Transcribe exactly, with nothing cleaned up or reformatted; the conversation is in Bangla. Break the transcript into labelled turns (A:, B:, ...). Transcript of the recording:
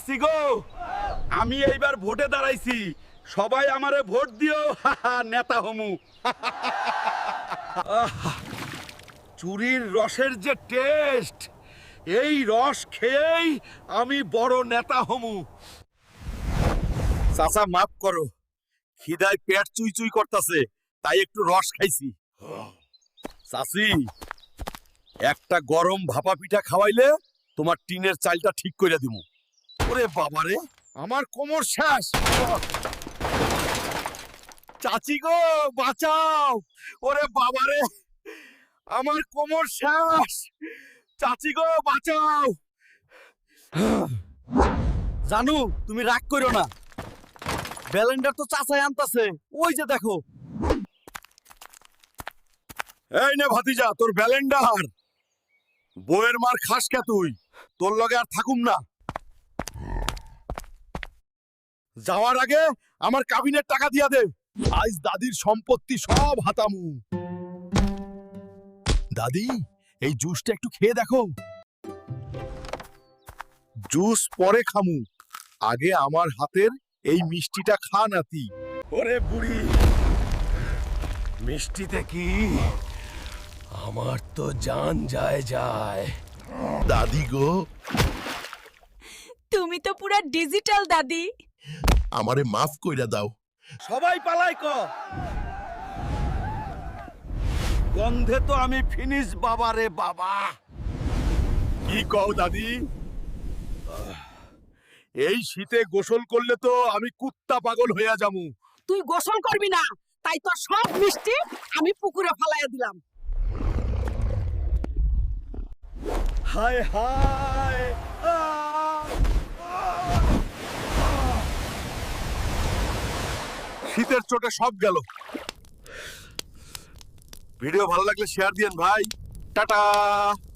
A: চাচি গো, আমি এইবার ভোটে দাঁড়াইছি, সবাই আমারে ভোট দিও, নেতা হমু। চুরির রসের যে টেস্ট, এই রস খেয়েই আমি বড় নেতা হমু। চাচা মাফ করো, খিদায় পেট চুই চুই করতেছে, তাই একটু রস খাইছি। চাচি, একটা গরম ভাপা পিঠা খাওয়াইলে তোমার টিনের চালটা ঠিক করে দিমু। ওরে বাবারে, আমার কোমর শেষ। চাচি গো, বাঁচাও। ওরে বাবারে, আমার কোমর শেষ। চাচি গো, বাঁচাও। জানু, তুমি রাগ করো না, ব্যালেন্ডার তো চাচাই আনতাছে, ওই যে দেখো। এই নে ভাতিজা, তোর ব্যালেন্ডার। বউয়ের মার খাস কে তুই? তোর লগে আর থাকুম না। যাওয়ার আগে আমার কাবিনের টাকা দিয়া দে, আজ দাদির সম্পত্তি সব হাতামু। দাদি, এই জুসটা একটু খেয়ে দেখো। জুস পরে খামু, আগে আমার হাতের এই মিষ্টিটা খা নাতি। ওরে বুড়ি, মিষ্টিতে কি আমার তো জান যায় যায়।
B: দাদি গো,
C: তুমি তো পুরা ডিজিটাল দাদি।
B: আমারে মাফ কইরা দাও।
A: সবাই পালাই ক, গন্ধে তো আমি ফিনিশ বাবা রে বাবা। কি কও দাদি? এই শীতে গোসল করলে তো আমি কুত্তা পাগল হইয়া যামু।
C: তুই গোসল করবি না, তাই তো সব মিষ্টি আমি পুকুরে ফালাইয়া দিলাম।
A: হায় হায়, আহ! শীতের চোটে সব গেল। ভিডিও ভালো লাগলে শেয়ার দিয়েন ভাই। টাটা।